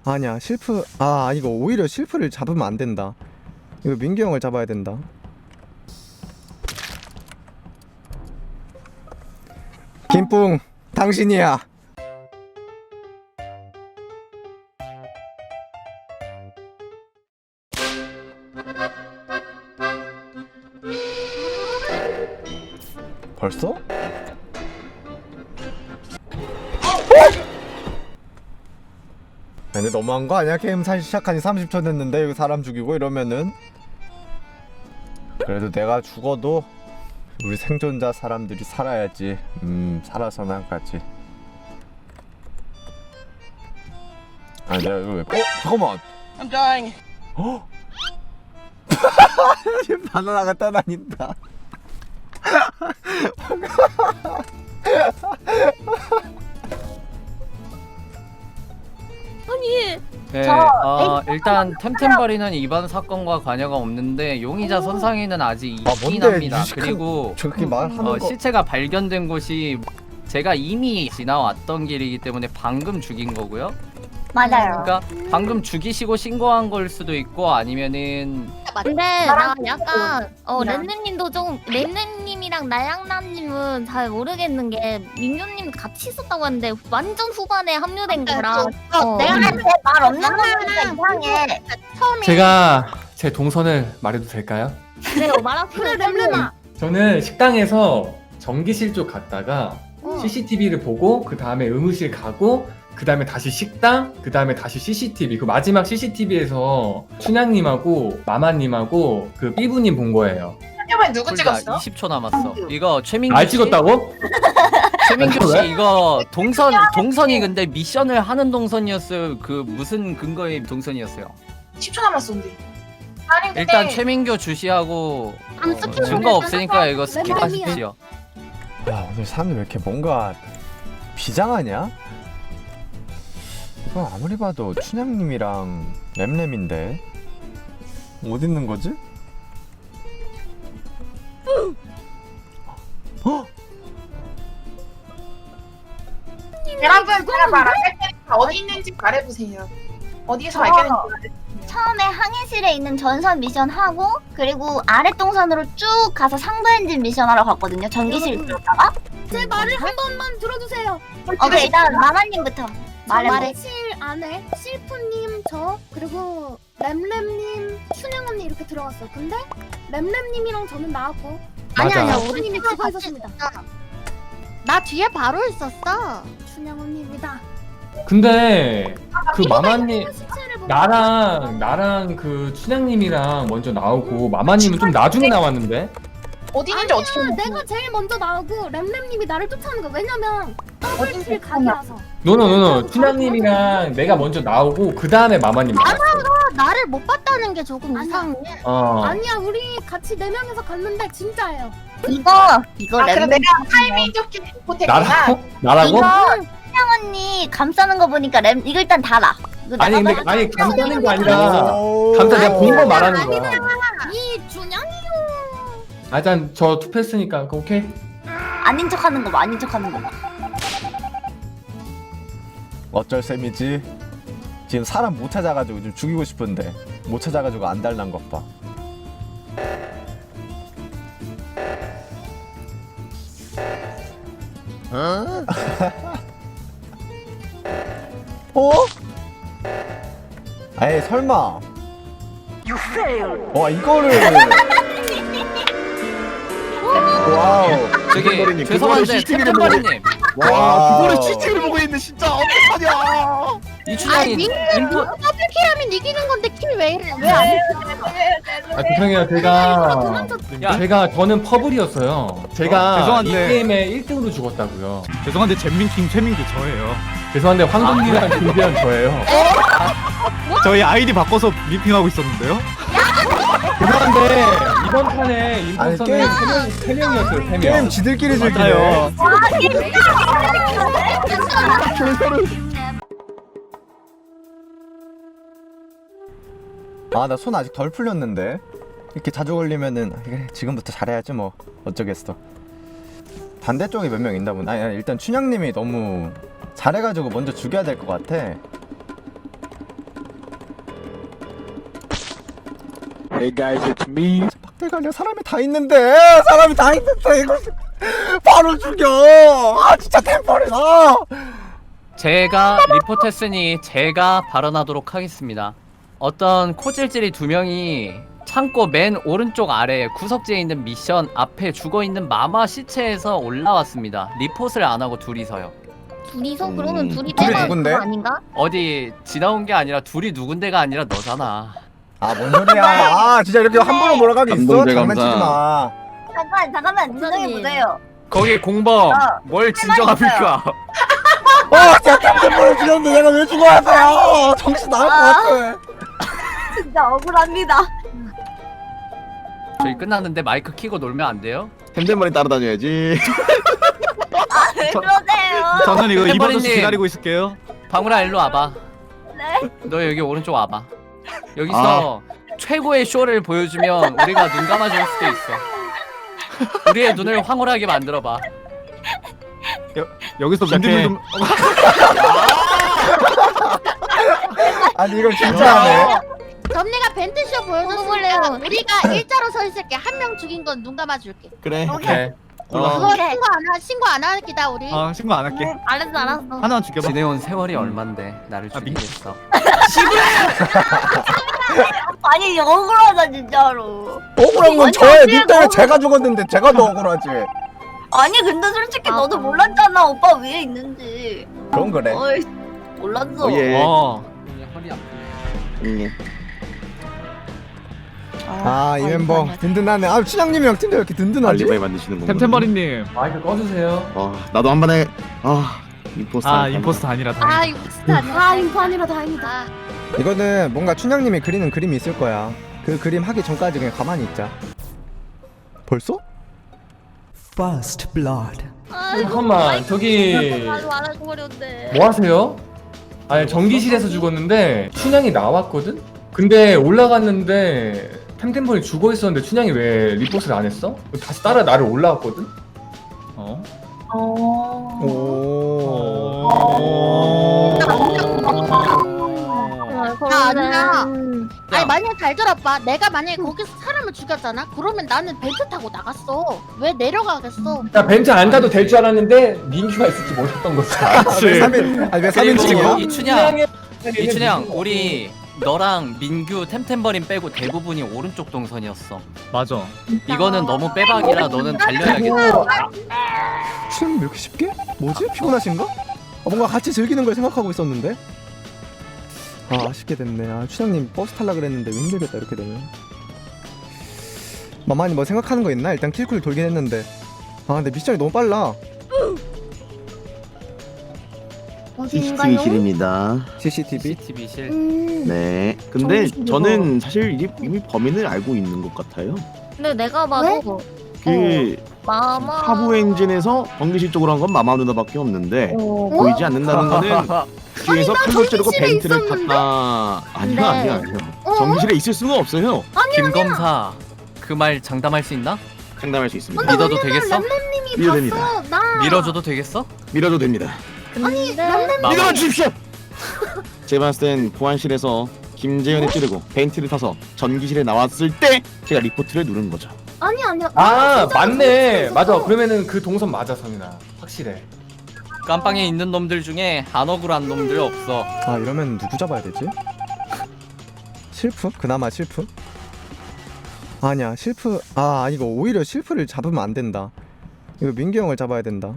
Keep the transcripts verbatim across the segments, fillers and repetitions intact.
아니야 실프. 아 이거 오히려 실프를 잡으면 안 된다. 이거 민규 형을 잡아야 된다. 김뿡 당신이야. 벌써? 근데 너무한 거 아니야? 게임 사실 시작한 지 삼십 초 됐는데 여기 사람 죽이고 이러면은. 그래도 내가 죽어도 우리 생존자 사람들이 살아야지. 음 살아서나 가지. 아 내가 이거 왜? 어? 잠깐만. I'm dying. 어? 바나나가 떠다닌다. 아니 네, 저 어, 일단 템템버리는 이번 사건과 관여가 없는데 용의자 선상에는 아직 아, 있긴 뭔데, 합니다. 유식한- 그리고 저렇게 말하는 어, 거. 시체가 발견된 곳이 제가 이미 지나왔던 길이기 때문에 방금 죽인 거고요. 맞아요. 그러니까 방금 죽이시고 신고한 걸 수도 있고 아니면은 근데 나 나랑 약간 어 이랑. 렌네님도 좀 렌네님이랑 나양나님은 잘 모르겠는 게 민규님 같이 있었다고 하는데 완전 후반에 합류된 거라 어. 내가 할 때 말 없는 거는 이상해. 처음에 제가 제 동선을 말해도 될까요? 네, 말하세요. 그래 렘렘아. 저는 식당에서 전기실 쪽 갔다가 어. 씨씨티비를 보고 그 다음에 의무실 가고 그 다음에 다시 식당, 그 다음에 다시 씨씨티비. 그 마지막 씨씨티비에서 춘향님하고 마마님하고 그 삐부님 본 거예요. 이번에 누구 불과 찍었어? 이십 초 남았어. 이거 최민규 날 씨? 찍었다고? 최민규 왜? 씨 이거 동선 동선이 근데 미션을 하는 동선이었어요. 그 무슨 근거의 동선이었어요? 십 초 남았어 근데. 아니 근데 일단 최민규 주시하고 안 어, 스킵 증거 없으니까 이거 스킵하십시오. 야 오늘 사람들 왜 이렇게 뭔가 비장하냐? 이건 아무리 봐도 춘향님이랑 램램인데 어디 있는 거지? 어? 여러분 제가 말할 테니까 어디 있는지 말해보세요. 어디에서 발견했는지 말해주세요. 처음에 항해실에 있는 전선 미션 하고 그리고 아래 동선으로 쭉 가서 상부 엔진 미션 하러 갔거든요. 전기실 들었다가. 제 말을 한 번만 들어주세요. 오케이 일단 마마님부터 말해. 말실 안에 실프님, 저 그리고 램램님, 춘영 언니 이렇게 들어갔어요. 근데 램램님이랑 저는 나왔고 아니 맞아. 아니야 춘님이 우리 죽어 있었습니다. 나 뒤에 바로 있었어. 춘영 언니입니다. 근데 그 마마님 시체를 보고 나랑 나랑 그 춘향님이랑 먼저 나오고 마마님은 좀 나중에 나왔는데? 어디 있는지 아니야, 어떻게 알고? 내가 제일 먼저 나오고 램램님이 나를 쫓아오는 거야. 왜냐면 더블킬 각이라서. 노노 노노 춘향님이랑 내가 먼저 나오고 그 다음에 마마님 나왔어. 나를 못 봤다는 게 조금 아니야. 이상해. 어. 아니야 우리 같이 네 명이서 갔는데 진짜예요. 이거 이거 아 그럼 램램. 내가 타이밍 좋게 못했구나. 나라고? 나라고? 이거 춘향 언니 감싸는 거 보니까 램 이거 일단 달아. 이거 아니 내가 근데 아니 감싸는 게 아니라 오. 감싸 내가 본 거 말하는 거야. 이 준영이요. 아, 일단 저 투표했으니까 그 오케이. 아닌 척하는 거 봐. 아닌 척하는 거 봐. 어쩔 셈이지. 지금 사람 못 찾아가지고 좀 죽이고 싶은데 못 찾아가지고 안 달란 것 봐. 어? 어? 에이 설마. 와 이거를. 와우. 저기 죄송한데 템템버리님 와 그거를 씨씨티비를 보고 있는데 진짜 어떡하냐? 이춘향이 인포 더블킬하면 이기는 건데 킬 왜 이래? 왜안 해? 아 죄송해요 제가 야 제가 저는 퍼블이었어요. 제가 어, 죄송한데. 이 게임에 일 등으로 죽었다고요. 죄송한데 잼민킹 최민규 저예요. 죄송한데 황금님이랑 김대현 저예요. 저희 아이디 바꿔서 미핑하고 있었는데요. 죄송한데 이번 판에 아니, 임포스터는 게임- 세 명, 세 명이었어요. 세 명. 게임 지들끼리 즐기네. 맞아요. 아 나 손 아직 덜 풀렸는데 이렇게 자주 걸리면은 그래, 지금부터 잘해야지 뭐 어쩌겠어. 반대쪽에 몇 명 있나 보네. 아니, 아니 일단 춘향님이 너무 잘해가지고 먼저 죽여야 될 것 같아. Hey guys, it's me. 막대가 아니라 사람이 다 있는데 사람이 다 있는데 이거 바로 죽여. 아 진짜 템퍼리다. 제가 리포트했으니 제가 발언하도록 하겠습니다. 어떤 코질질이 두 명이 창고 맨 오른쪽 아래 구석지에 있는 미션 앞에 죽어있는 마마 시체에서 올라왔습니다. 리포트를 안 하고 둘이서요. 둘이서 음, 그러면 둘이 둘이 빼면 누군데? 그거 아닌가? 어디 지나온 게 아니라 둘이 누군데가 아니라 너잖아. 아 뭔 소리야. 아 진짜 이렇게 함부로 몰아가기 있어? 감동대 장난치지 감사. 마. 잠깐 잠깐만 진정해 보세요. 거기 공범 아, 뭘 진정합니까? 아 진짜 템퍼리 죽였는데 내가 왜 죽어야 돼요. 정신 나갈 것 같아. 진짜 억울합니다. 저희 끝났는데 마이크 키고 놀면 안 돼요? 템템머리 따라다녀야지. 아 왜 그러세요? 저는 이거 이번 주 템템머리님. 기다리고 있을게요. 방울아 일로 와봐. 네. 너 여기 오른쪽 와봐. 여기서 최고의 쇼를 보여주면 우리가 눈 감아줄 수도 있어. 우리의 눈을 황홀하게 만들어봐. 여기서 시작해. 민규님 좀 아니 이걸 진짜 하네. 점리가 벤트쇼 보여줬으니까 먹어볼래요. 우리가 일자로 서 있을게. 한 명 죽인 건 눈 감아줄게. 그래. 오케이. 올라. 그거 신고 안 하, 신고 안 하기다 우리. 아 신고 안 할게. 알았어 알았어. 하나만 죽여봐. 지내온 세월이 얼만데 나를 아, 민- 죽이겠어. 아니 억울하다 진짜로. 억울한 건 아니, 저의 아니, 님 때문에 너무- 제가 죽었는데 제가 더 억울하지. 아니 근데 솔직히 아, 너도 그럼. 몰랐잖아 오빠 위에 있는지. 그건 그래. 어이 몰랐어. 예. 어. 허리 아프네. 응. 아 이 멤버 든든하네. 아 춘향님이랑 팀도 왜 이렇게 든든하지? 알리바이 만드시는 건가? 템템머리님. 마이크 꺼주세요. 와 나도 한 번에 아 임포스터. 아 임포스터 아니라 다행이다. 아 이거 진짜 아니야. 아 인포 아니라 다행이다. 이거는 뭔가 춘향님이 그리는 그림이 있을 거야. 그 그림 하기 전까지 그냥 가만히 있자. 벌써? First blood. 잠깐만 저기 나도 안 하고 버렸네. 뭐 하세요? 아니 전기실에서 죽었는데 춘향이 나왔거든? 근데 올라갔는데 템템버리 죽어 있었는데 춘향이 왜 리포트를 안 했어? 다시 따라 나를 올라왔거든? 어? 오. 아, 아니야. 음. 아니 만약에 잘 들어봐. 내가 만약에 거기서 사람을 죽였잖아. 그러면 나는 벤트 타고 나갔어. 왜 내려가겠어? 야 벤트 안 타도 될 줄 알았는데 민규가 있을지 몰랐던 거지. 왜 삼 인 아니 왜 삼 그리고 인칭이야? 이춘향, 춘향이- 이춘향 우리 너랑 민규 템템버린 빼고 대부분이 오른쪽 동선이었어. 맞아. 이거는 너무 빼박이라 너는 달려야겠다. 춘향님 왜 이렇게 쉽게? 뭐지? 피곤하신가? 아, 뭔가 같이 즐기는 걸 생각하고 있었는데? 아 아쉽게 됐네. 아 춘향님 버스 탈라 그랬는데 힘들겠다 이렇게 되면. 마마니 뭐 생각하는 거 있나? 일단 킬쿨 돌긴 했는데. 아 근데 미션이 너무 빨라. 어디인가요? 실입니다. 씨씨티비? 씨씨티비실. 음. 네. 근데 정신이요. 저는 사실 이게 이미 범인을 알고 있는 것 같아요. 근데 내가 봐도 그 마마 하부 엔진에서 전기실 쪽으로 한 건 마마 누나밖에 없는데 어? 보이지 않는다는 거는 뒤에서 칼로 찌르고 전기실에 벤트를 있었는데? 탔다. 아니요, 네. 아니요, 아니요. 전기실에 있을 수가 없어요. 김 검사 그 말 장담할 수 있나? 장담할 수 있습니다. 믿어도 되겠어? 램램님이 믿어됩니다. 봤어. 나. 밀어줘도 되겠어? 밀어도 됩니다. 근데 마마. 믿어 주십시오. 제가 봤을 땐 보안실에서 김재현이 찌르고 벤트를 타서 전기실에 나왔을 때 제가 리포트를 누른 거죠. 아니 아니야. 아 맞네. 맞아. 그러면은 그 동선 맞아 성인아. 확실해. 깜빵에 있는 놈들 중에 안 억울한 놈들 없어. 아 이러면 누구 잡아야 되지? 실프? 그나마 실프? 아니야 실프. 아 이거 오히려 실프를 잡으면 안 된다. 이거 민규 형을 잡아야 된다.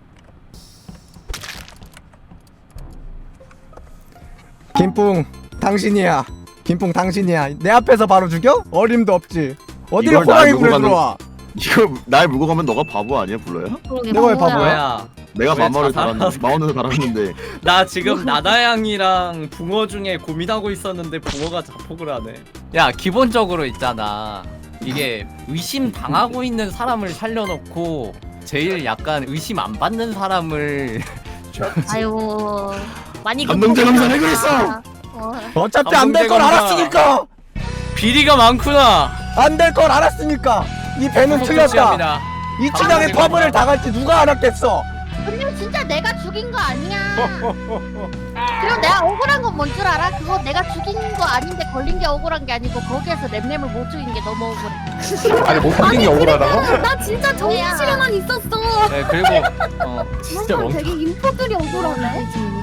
김뿡 당신이야. 김뿡 당신이야. 내 앞에서 바로 죽여? 어림도 없지. 어디를 이걸 날 호랑이 물고 굴에 가는- 들어와. 이거 날 물고 가면 너가 바보 아니야, 불러요? 그러게 내가 왜 바보야. 바보야? 뭐야? 내가 왜 마마를 자살하는 달았는데 마원을 달았는데 나 지금 나다양이랑 붕어 중에 고민하고 있었는데 붕어가 자폭을 하네. 야 기본적으로 있잖아. 이게 의심 당하고 있는 사람을 살려놓고 제일 약간 의심 안 받는 사람을 아이고 많이 감동제 급하구나. 감사 왜 그랬어? 어. 어차피 안 될 걸 감동대 알았으니까. 비리가 많구나. 안 될 걸 알았으니까. 이 배는 틀렸다. 취합니다. 이 춘향의 감동대 퍼블을 감사. 당할지 누가 알았겠어. 근데 진짜 내가 죽인 거 아니야. 그리고 내가 억울한 건 뭔 줄 알아? 그거 내가 죽인 거 아닌데 걸린 게 억울한 게 아니고 거기에서 램램을 못 죽인 게 너무 억울해. 아니 못 죽인 게 억울하다고? 나 진짜 정실에만 있었어. 네 그리고 어 진짜 난 멍청. 되게 인포들이 억울하네.